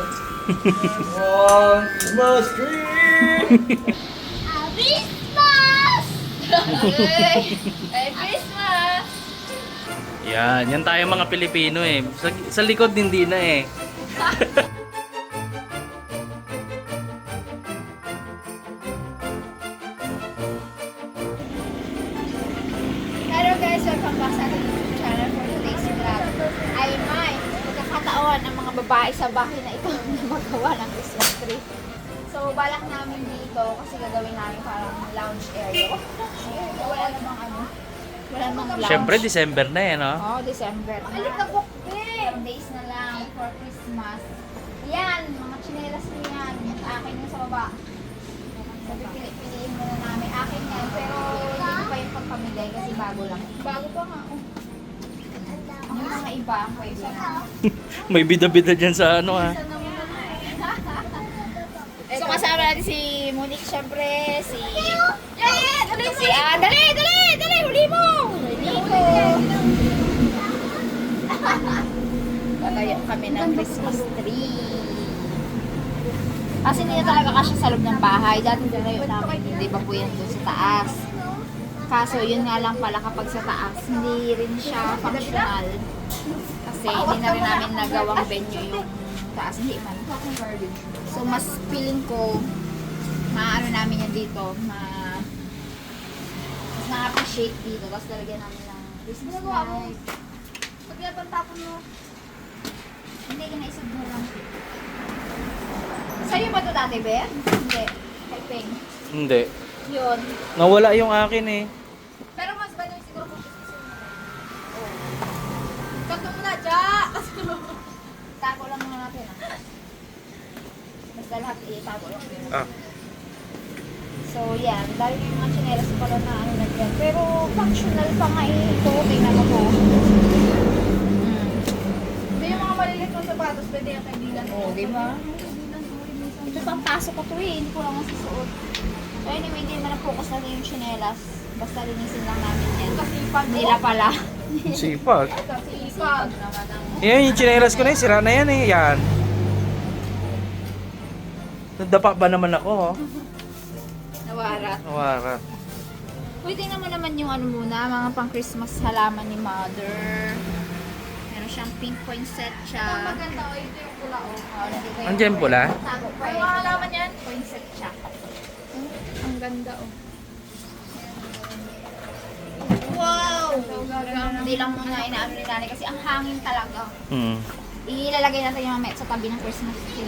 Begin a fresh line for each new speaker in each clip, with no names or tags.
Christmas tree!
Christmas! Merry Christmas!
Yan tayo mga Pilipino eh. Sa likod hindi na eh.
Hello guys, welcome back sa ating YouTube channel for today's vlog. Ay may magkakataon ang mga babae sa bahay na ito na magawa ng Christmas tree. So balak namin dito kasi gagawin namin parang lounge area. Wala namang wala namang lounge.
Siyempre December na eh, no?
Oo, December. Alikabok din! Days na lang for Christmas. Yan, mga tsinelas mo yan. Akin yung sa baba. Sabi, piliin muna namin. Akin yan, pero hindi pa yung pagpamigay kasi bago lang. Bago pa nga. Yung mga iba, pwede na.
May bida-bida dyan sa ano ah.
So kasama natin si Monique, syempre, si... Dali! Huli mo! Nico! Gagayak kami ng Christmas tree. Kasi hindi na talaga kasi sa loob ng bahay. Dati gagayak namin, hindi ba po yan doon sa taas. Kaso yun nga lang pala kapag sa taas, hindi rin siya functional. Kasi hindi na rin namin nagawang venue yung taas. Hindi man. So mas feeling ko, maano namin yan dito, mas na-appreciate dito. Tapos talagyan namin ng Christmas light. Pag napantapon mo, hindi ka naisag mo lang. Sa'yo ba ito dati, Be? Hindi. Kay Peng.
Hindi.
Yun.
Nawala yung akin eh.
Pero mas ba yung siguro kung gusto mo? Oo. Kanto mo na, Cha! Tago lang muna natin, ah. Basta lahat itago lang.
Ah.
So, yan. Dahil yung mga chinelas pala na ano na dyan. Pero, functional pa nga ito. Tingnan mo po.
Hindi yung mga maliliit ng sapatos, pwede yung kaibigan.
Oo, di ba? Ito pang pasok ko to eh. Hindi ko lang masusuot. So, anyway, hindi naman na-focus natin yung chinelas. Basta linisin lang namin yan.
Kasipag mo.
Oh.
Nila pala.
Sipag.
Kasipag.
Yan yung chinelas ko na yun. Sira na yan eh. Yan. Nadapa ba naman ako oh?
Nawarat.
Nawarat.
Uy, tingnan mo naman yung ano muna, mga pang Christmas halaman ni Mother. Meron siyang pink poinsettia.
Maganda o ito yung pula o.
Nandito yung
Andiyan pula?
tago pa
Ano
eh.
mga halaman yan?
Poinsettia.
Ang ganda o.
Wow!
So, gagawin
Hindi lang muna inaano ni Nanay kasi ang hangin talaga.
Hmm.
Ilalagay natin yung mamaya sa tabi ng Christmas tree.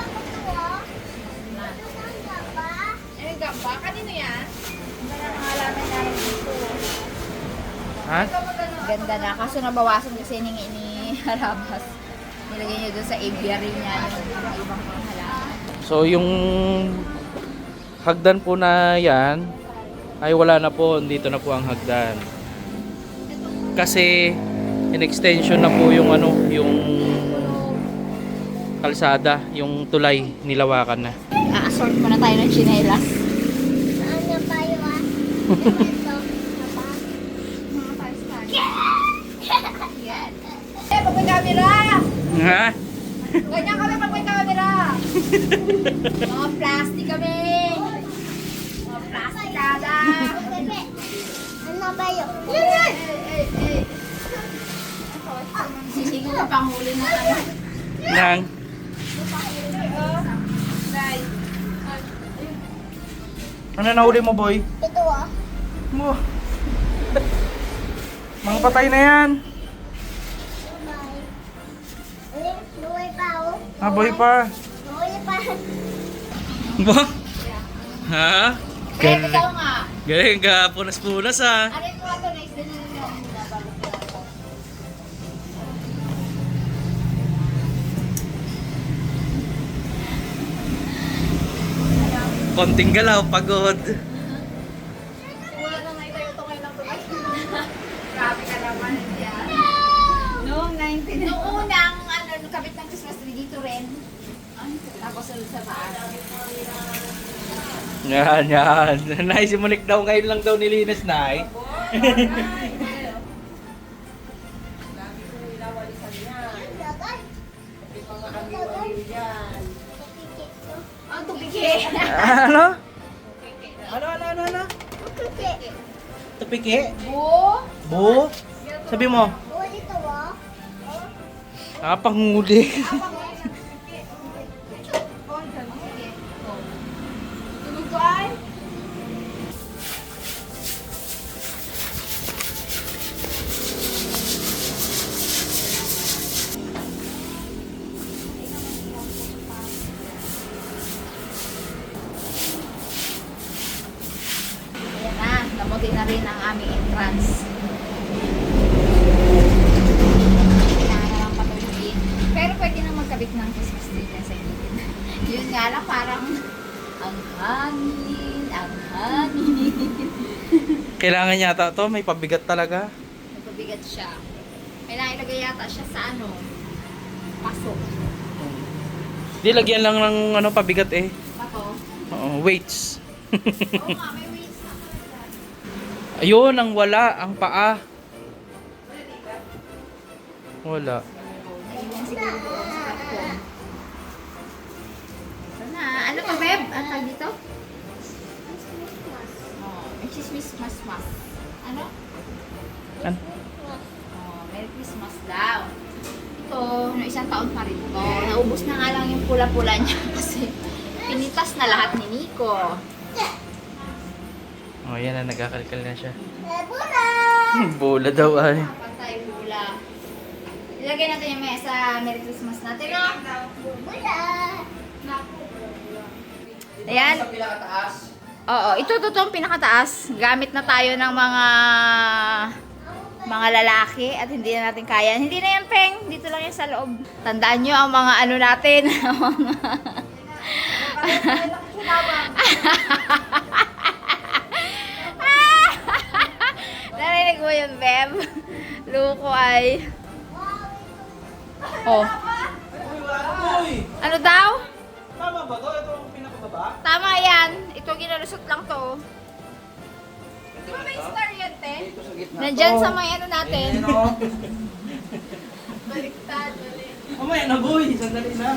Eh, gamba. Kanino yan?
Ang ganda ng halaman namin dito.
Ha?
Ganda na. Kaso nabawasan kasi ni Harabas. Nilagay niya doon sa aviary niya yung mga ibang mga halaman.
So yung hagdan po na yan ay wala na po. Dito na po ang hagdan. Kasi in extension na po yung ano, yung kalsada, yung tulay nilawakan na.
A-assort muna tayo ng chinelas.
Ano pa yun ah? Mga five-star.
Yan. Eh, pag may camera!
Ha?
Ganyan kami pag may camera! Mga plastic kami! Mga plastikada!
Ano ba yun?
Sisingo ka pang huli na ano.
Nang? Ano nahuli mo, boy?
Ito ah.
Mo. Mga patay na yan.
Buhay pa oh.
Ah, boy pa.
Buhay pa.
Ba? Ha?
Eh, ikaw nga.
Galing ka, punas-punas ah.
Ano yung mga ito, nice din yung nabalot ko.
Konting galaw, pagod.
Wala na naitayo ito ngayon ng tulay.
Grabe ka naman yan.
Noong 19.
Noong unang ano, kabit ng Christmas tree dito rin. Tapos sa taas.
Yan. Nay, si Monique daw ngayon lang daw nilinis, Nay.
Dagat.
Ano?
Ano? Tupiki?
Bu.
Bu? Sabi mo.
Panguli.
Tulog ko ay. Ayan na, namuti na rin ang aming entrance. Kailangan na lang patulugin. Pero pwede na magkabit ng Christmas tree dyan sa gilid. Yun nga lang, parang ang hangin.
Kailangan yata to, may pabigat talaga.
Nagpabigat siya. Kailangan ilagay yata siya sa paso.
Di lagyan lang ng ano pabigat eh.
Pato.
Oo, weights.
Oo nga, may weights na pala.
Ayun, ang wala, ang paa. Wala.
Naiwan siguro doon sa karton. Ito na. Ano pa, Beb? Ang tag dito? Oh, may Christmas mas. Ano?
An-
Oh, Merry Christmas daw. Ito, no, isang taon pa rin to. Naubos na nga lang yung pula-pula niya kasi pinitas na lahat ni Nico.
Oh, yan na, nagkakalkal na siya. Bola daw ay.
Patay pula. Ilagay natin yung mesa. Merry Christmas natin, no? Ayan.
Sa pinakataas.
Oo, ito totoong pinakataas. Gamit na tayo ng mga lalaki at hindi na natin kaya. Hindi na yan, Peng. Dito lang yan sa loob. Tandaan nyo ang mga ano natin. Narinig mo yun, Beb? Luko ay. Oh.
Uy!
Ano daw?
Tama ba to? Ito ang pinakababa?
Tama yan. Ito ginalusot lang to. May star yan, te.
Ito sa gitna.
Nandyan sa may ano natin.
Ayan o.
Baliktad, balik.
Mamaya na boy. Sandali na.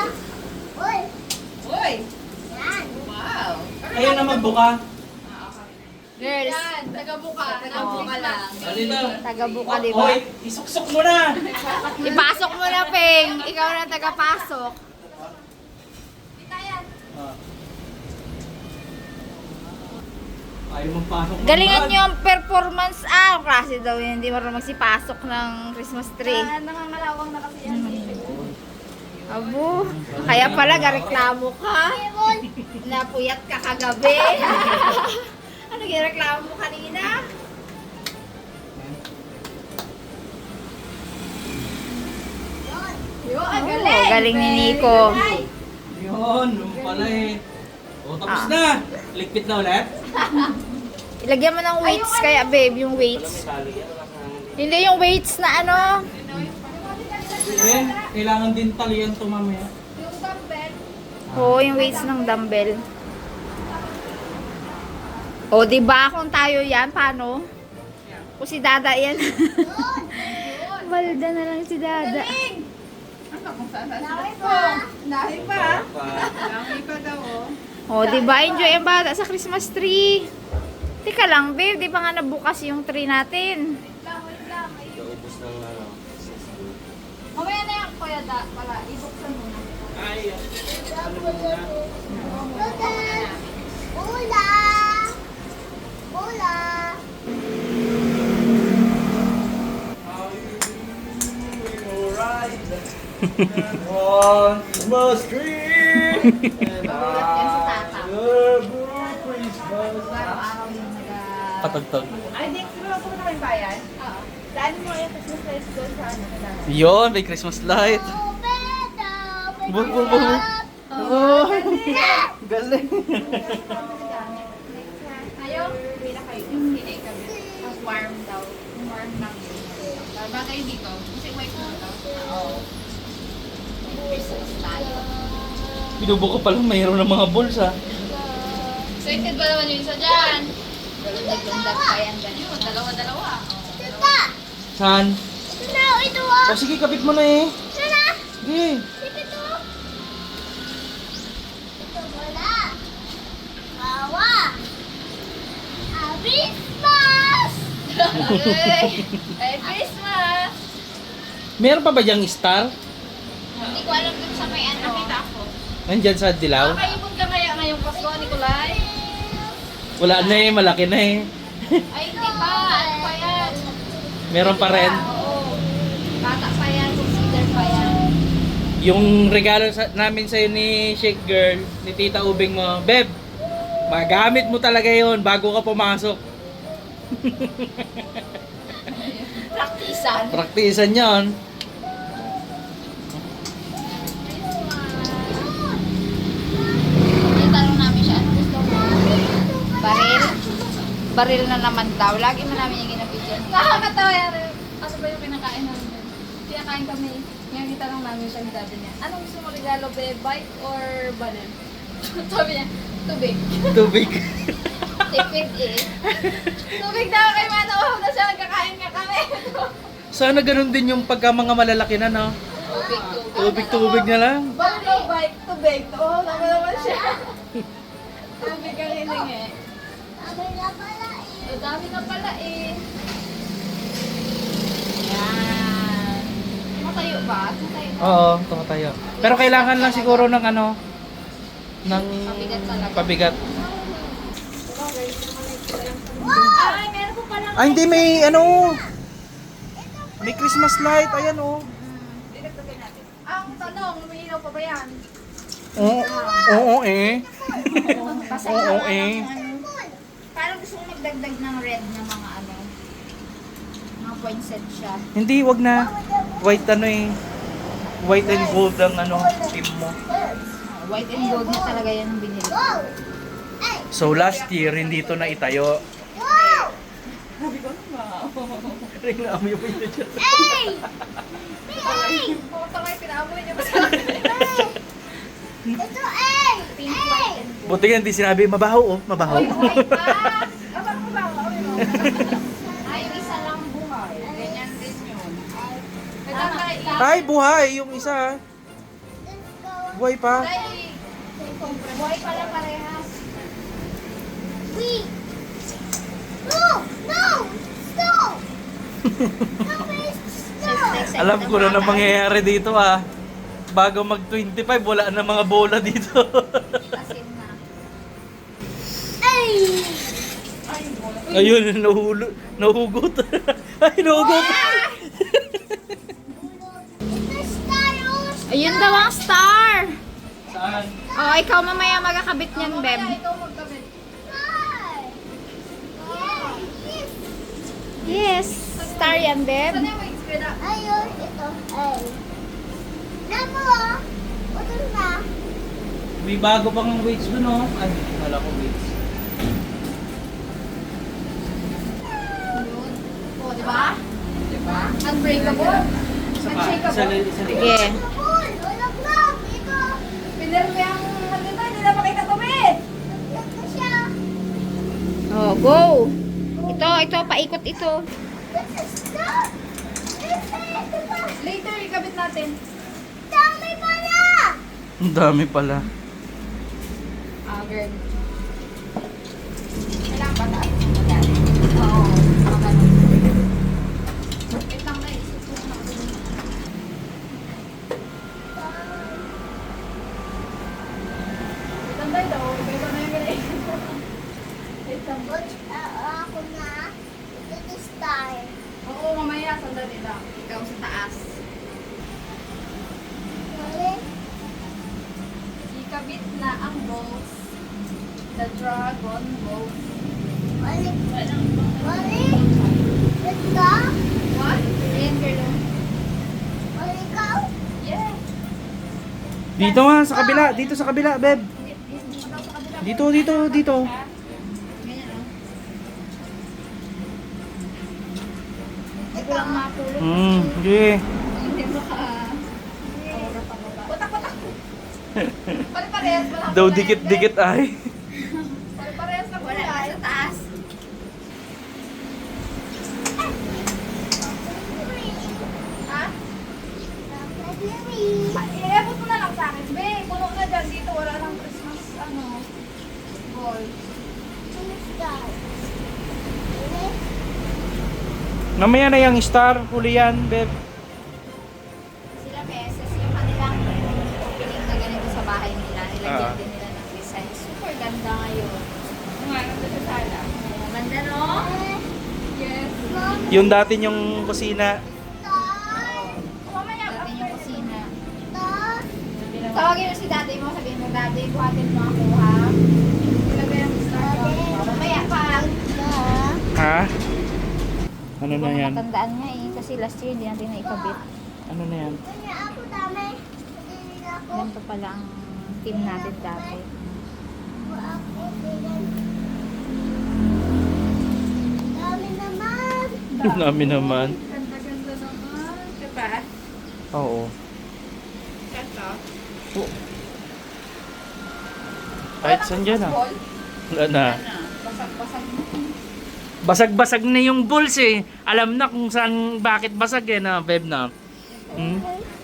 Uy! Wow!
Kayo na magbuka.
Girls,
Taga-buka.
Taga-buka lang.
Dali na.
taga-buka, di ba?
Hoy, isuksok mo na.
Ipasok mo na, Peng. Ikaw na taga-pasok.
Ayaw magpasok.
Galingan nyo ang performance. Ang klase daw yun. Hindi marunong magsipasok ng Christmas tree.
Nangangalawang na kasi yan.
Abo, kaya pala gareklamo ka. Napuyat ka kagabi. Ano gireklamo mo kanina?
Yo, ang
Oh,
galing.
galing ni Nico.
Yun, yung pala eh. O, tapos na. Ligpit na ulit.
Ilagyan mo ng weights kaya babe, yung weights. Hindi yung weights na ano.
Eh, kailangan din talian to mamaya.
Yung dumbbell.
Oo, yung weights ng dumbbell. O, di ba kung tayo yan, paano? Kung si Dada yan. Balda na lang si Dada.
Ano kung saan saan po? Dahil pa. Dahil pa daw, oh.
O, di ba enjoy ang bata sa Christmas tree? Teka lang, babe, di ba nga nabukas yung tree natin?
Wait lang. Mamaya na yan, Kuya Da. Pala, ibuksan mo na.
Ay, ano mo muna? On Christmas tree and
Nagulat yan si Tata.
Christmas.
Araw-araw yung naga...
Patagtag.
Ay, di, siguro ako na kayo bayan? Oo. Daan mo yung Christmas lights doon sa ano.
Yun, may Christmas light. Bu. Oh, galing.
Ayaw, pila kayo. Hindi kami. Ang warm daw. Warm lang. Bagay dito. Kasi white mo daw.
Oo. Christmas tayo.
Binubuko pa lang mayroon ng mga balls ha.
Excited ba naman yung isa dyan?
Galundag-lundag pa yan.
Yun, dalawa-dalawa.
Saan? O sige, kapit mo na eh. Sige.
Christmas! Merry Christmas!
Meron pa ba diyang star?
Hindi ko alam dun sa may ano.
Nakita ako.
Nandyan sa dilaw?
Makaibon ka kaya ngayong Pasko, Nicolay?
Wala na eh, malaki na eh.
Ay, hindi pa. Ano pa yan?
Meron pa rin.
Oo. Bata pa yan. Consider pa yan.
Yung regalo namin sa'yo ni Shake Girl, ni Tita Ubing mo, Beb, magamit mo talaga yon bago ka pumasok.
Praktisan.
Praktisan yon.
Itanong namin siya, ano gusto mo? Baril? Baril na naman daw. Lagi mo namin yung ginapidyan.
Nakakatawa yan. Aso ba yung kinakain namin? Kinakain kami. Ngayon itanong namin siya ni daddy niya. Anong gusto mo regalo, be? Bike or balon? Sabi niya, tubig.
Tubig.
Tipid eh.
Tubig daw kay Mano. Na siya nagkakain nga kami.
Sana ganun din yung pagka mga malalaki na, no?
Tubig.
Tubig na lang.
Balon daw, bike, tubig. Oo, sabi naman siya. Tubig ang hiningi. Ang dami na pala eh.
Yan. Matayo ba? Matayo.
Oo, tayo. Pero kailangan lang siguro ng ano, ng
Pabigat talaga.
pabigat.
Ay, meron po pala.
Ah, hindi, may ano, may Christmas light, ayan oh.
Ang tanong, umiilaw pa ba yan?
Oo eh. Oo eh.
Parang gusto kong magdagdag ng red na mga ano. Mga poinset siya.
Hindi, wag na. White ano eh. White and gold ang ano, team mo.
White and gold na talaga yan ang binili.
So last year, hindi to na itayo. Ring na amoy mo yun dyan.
Pumunta kayo, pinaamoy niyo ba sa akin?
Pink, white, and gold.
Buti nga hindi sinabi, mabaho oh, mabaho.
Ay, pa! Abang ko ba? Ay, no.
Ay, yung isa lang buhay. Ganyan din yun.
Ito tayo.
Ay, buhay yung isa. Buhay pa.
Buhay pala parehas.
Alam ko na mangyayari dito ah. Bago mag 25, wala na mga bola dito.
Asin na.
Ayun, nahugot. Ay, nahugot.
Ayun daw ang star!
Saan?
Oh, ikaw mamaya magkakabit niyan, Beb.
Ikaw magkabit.
Yes, star yan, Beb.
Saan yung weights ko na?
May bago pang weights doon oh. Ay, wala ko weights.
O, di ba? Unbreakable.
Isa pa,
Unshakable.
isa
Sige.
Pinero mo yung ano na, hindi na makita tumit.
Oh, go! Ito, paikot ito.
Later, ikabit natin.
Ang dami pala.
Ah, girl. Kailangan ba taas? Oo. Mga ganun. Wait lang guys. Tanday daw. Iba na yung ganun. Wait lang. Oo, mamaya. Sandali lang.
Ikaw sa taas.
Ikabit na ang balls. The dragon balls. What?
Ayan, girl.
Yes.
Dito nga, sa kabila. Dito sa kabila, Beb. Dito.
Ganyan, oh. Hindi ko lang matulog.
Okay.
Hindi baka...
Patak-patak. Pare-parehas ba lang?
Daw dikit-dikit ay.
Pare-parehas na
Wala
kulay.
ka sa taas.
Ha? I-abot mo na lang sa akin. Be, puno na dyan. Dito wala nang Christmas, ball.
Mamaya na yung star, huli yan, Beb.
Sila beses, yung kanilang opening na ganito sa bahay nila, nilagyan din nila ng design. Super ganda ngayon.
Ganda sa sala.
Ganda, no?
Yes.
Yung dati yung kusina.
Mamaya, dati yung kusina. Tawagin mo si daddy mo, sabihin mo, daddy, buhatin mo ako, ha?
Ilagay ang star down.
Mamaya pa.
Ha? Ano
Hindi
na
ko
yan?
matandaan nga eh, kasi last year hindi natin naikabit.
Ano na yan?
Ganito pala ang team natin dati.
Namin naman.
Ganda-ganda naman. Diba?
Oo.
Ganda.
Oh. Kahit saan dyan ah. Wala na.
Basag-basag na.
Basag-basag na yung balls eh. Alam na kung saan, bakit basag eh na, Beb na. Hmm?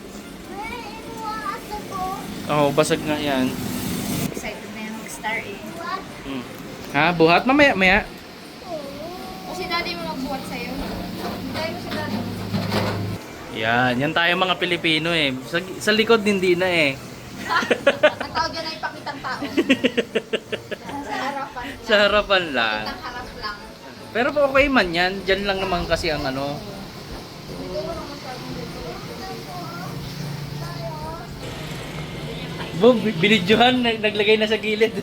Oo, basag nga yan.
Excited na yung mag-star eh.
Hmm. Ha? Buhat? Mamaya.
O si daddy mo magbuhat sa'yo.
Ilagay mo si daddy.
Yan tayo mga Pilipino eh. Sa likod hindi na eh.
Ang tawag yan ay pakitang tao. Sa harapan lang.
Sa harapan lang.
Pakitang harap lang.
Pero okay man yan. Diyan lang naman kasi ang ano. Bob, binidyohan, naglagay na sa gilid.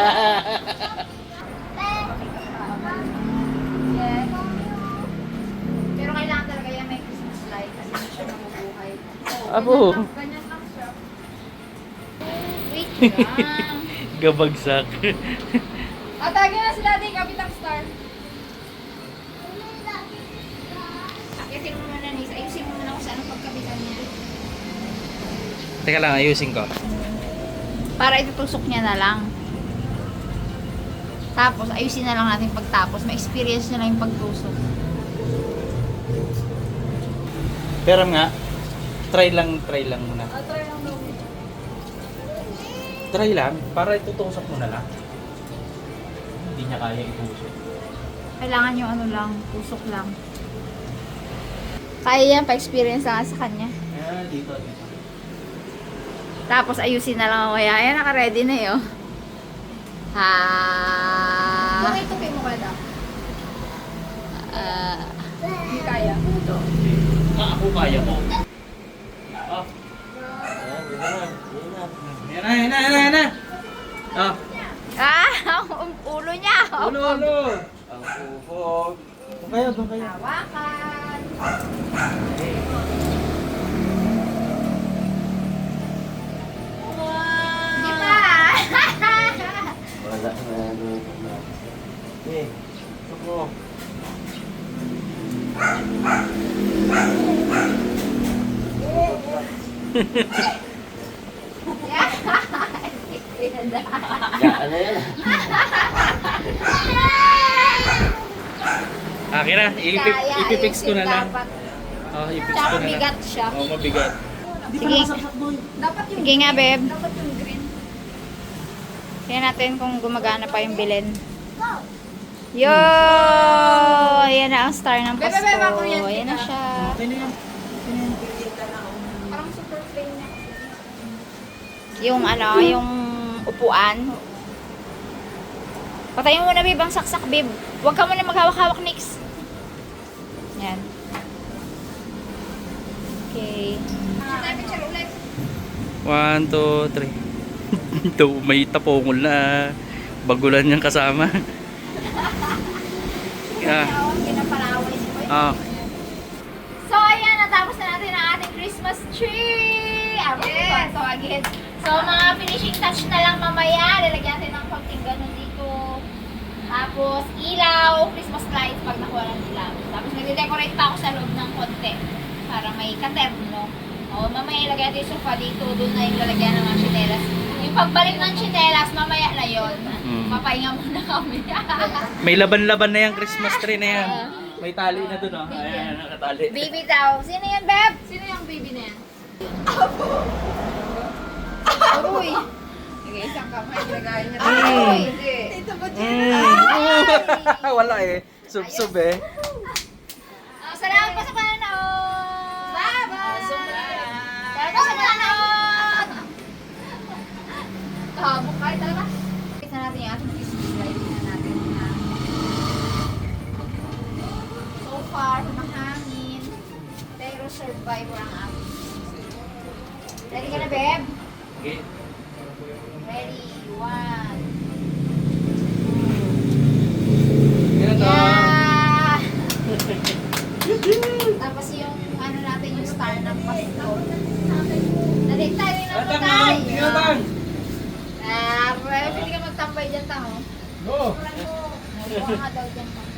Yes. Pero kailangan talaga yan may Christmas light kasi hindi siya mabubuhay.
Abo,
Ganyan lang siya.
Wait lang.
gabagsak.
Tagin na si daddy, kapit ang star.
Akitin mo muna Nis. Ayusin mo muna kung saan ang pagkabitan niya.
Teka lang, ayusin ko.
Para itutusok niya na lang. Tapos, ayusin na lang natin pagtapos. Ma-experience na lang yung pagtusok.
Pero nga, try lang muna.
Try lang daw.
Try lang, para itutusok mo na lang. Hindi niya kaya itusok.
Kailangan yung ano lang, tusok lang. Kaya yan, pa-experience lang sa kanya.
Dito.
Tapos, ayusin na lang ako. Ayan, naka-ready na eh, oh. Ha.
Tupi mo ka daw. Hindi kaya.
Ako kaya mo. Oh. Yan na. Oh.
Ang ulo niya.
Ulo. Ang upo. Doon kayo.
Hawakan. Di ba?
Wala na. Eh, ako. Ano yan?
Akin na, ipipix ko na lang.
Dapat.
Oh, ipix
Tsaka
ko na lang.
bigat siya.
Oh, mabigat.
Sige.
Dapat yung
Sige nga, babe.
Dapat yung green.
Tingnan natin kung gumagana pa yung bilin. Yo! Ayan na ang star ng
Bebe,
Pasko.
bebe, ako yan,
Ayan na
tita.
siya.
Okay na yan.
Parang super plain niya.
Yung ano, yung upuan. Patayin mo muna, babe, ang saksak, babe. Huwag ka muna maghawak-hawak, Nix. Yan. Okay.
Tayo picture ulit.
1, 2, 3. Ito, may tapongol na bagulan niyang kasama.
Pinapalaway si Boy. So, ayan, natapos na natin ang ating Christmas tree! Yes! So, again. So, mga finishing touch na lang mamaya. Lalagyan natin ng konting ganun dito. Tapos, ilaw, Christmas lights pag nakuha ng ilaw. Tapos, nag-decorate pa ako sa loob ng konti. Para may katerno. O, mamaya ilagay natin yung sofa dito. Doon na yung lalagyan ng mga chinelas. Yung pagbalik ng chinelas, mamaya na yun. Papahinga muna kami.
May laban-laban na yung Christmas tree na yan. May tali na dun, oh. Ayan, nakatali.
Baby daw. Sino yan, Beb?
Sino yung baby na yan?
Uy!
Sige, isang kamay. Ilagay niya.
Uy!
Hindi.
Wala eh. Sub-sub eh.
Salamat po sa panonood! Bye-bye! Salamat po sa panonood! Habok kayo talaga. Kita natin yung ating Christmas light. Tingnan natin na. So far, mahangin. Pero survivor ang ating. Ready ka na, Beb?
Okay.
Ready? 1.
Yan o.
Yeah! Tapos yung ano natin, yung star ng pasto. Nalit tayo ng
Tang,
patay.
tang.
Pwede ka magtambay dyan, tang, oh.
Go.
Naliwa ka daw dyan, tang.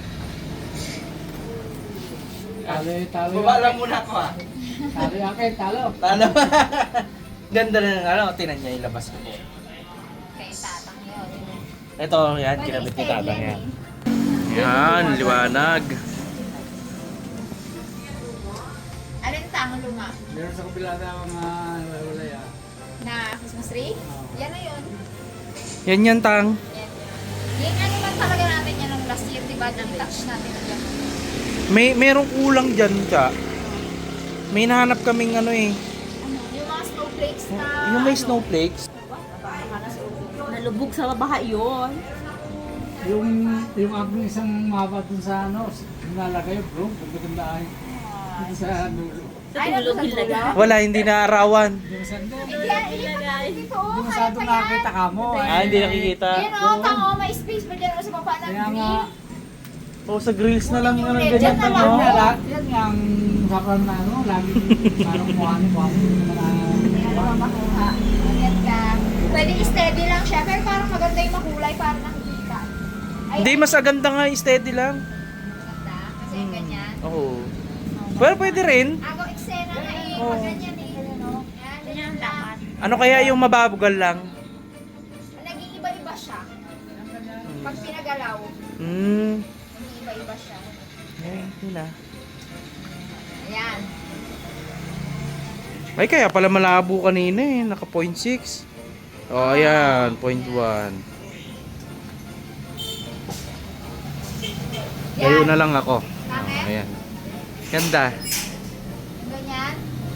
Talo.
Baba lang muna ako ah.
Talo akin, talo.
Talo. Ganda na ng ano, tinan niya yung labas ko po.
Kay tatang yun.
Ito, yan, kinabit ni tatang yan. Yan, liwanag.
Alin tang luma?
Meron sa kabila na mga wala yan.
Na Christmas tree? Yan na yun.
Yan yan, tang.
Yan. Yung ano man talaga natin yan ng last year, diba? Nang-touch natin dyan.
Merong kulang dyan, Cha. May nahanap kaming ano eh.
Yung mga snowflakes na...
Yung may snowflakes.
Nalubog sa baha yun.
Yung aking isang mapa dun sa ano, nilalagay bro, pagkaganda ay. Dito sa dulo.
Ay, tulog nila.
Wala, hindi na arawan.
Yung sa dulo.
Dito, oh,
Yung
kaya
masyado
pa yan.
nakakita ka mo.
Ah, hindi nakikita.
Yan o, tango, may space pa dyan o sa baba ng
Kaya nga,
grill.
Oh, sa grills na lang yung
Ulit,
ganyan
dyan na
tang,
lang.
oh.
yan yung sakran na ano, lagi parang buhani-buhani.
Kaya naman makuha. Ayan ka. Pwede steady lang siya, pero parang maganda yung makulay para nakikita. Ay,
Hindi, mas aganda nga, steady lang.
maganda. Kasi ganyan.
Oo. Well, pwede rin.
Ako, eksena na eh.
Oo.
Pag ganyan eh. Yan, ganyan dapat.
Ano kaya yung mababugal lang?
Naging iba-iba siya. Pag pinagalaw,
Hmm.
naging iba-iba siya.
Yun na.
Ayan.
Ay, kaya pala malabo kanina eh. Naka 0.6. Oh, ayan. 0.1. Layo na lang ako.
Bakit?
Oh, ayan. Ganda.
Ganyan.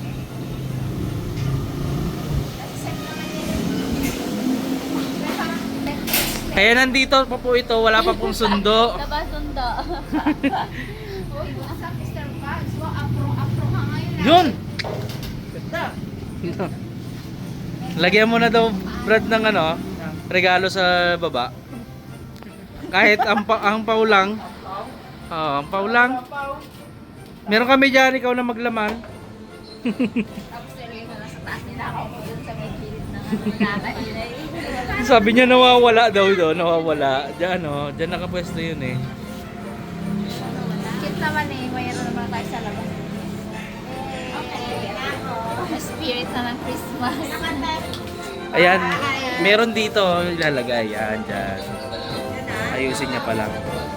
Kasi sa'yo naman yan. Pero parang left.
Kaya nandito pa po ito. Wala pa pong sundo.
Nabasundo.
Uy, nasa Mr. Vance. Wow, afro ka ngayon.
Yun! Ganda. Lagyan mo na daw, Brad, ng ano, regalo sa baba. Kahit ang pau lang. Oo, ang pau lang. Meron kami dyan, ikaw na maglaman.
Tapos nilagay ko lang sa taas nila ako dun sa may pilit ng nakahilay.
Sabi niya nawawala daw doon, nawawala. Diyan, oh, diyan nakapwesto yun eh.
Cute naman eh. Mayroon naman tayo sa labas. Spirit na ng Christmas.
Ayan, meron dito ilalagay. Yan, dyan. Ayusin niya pa lang.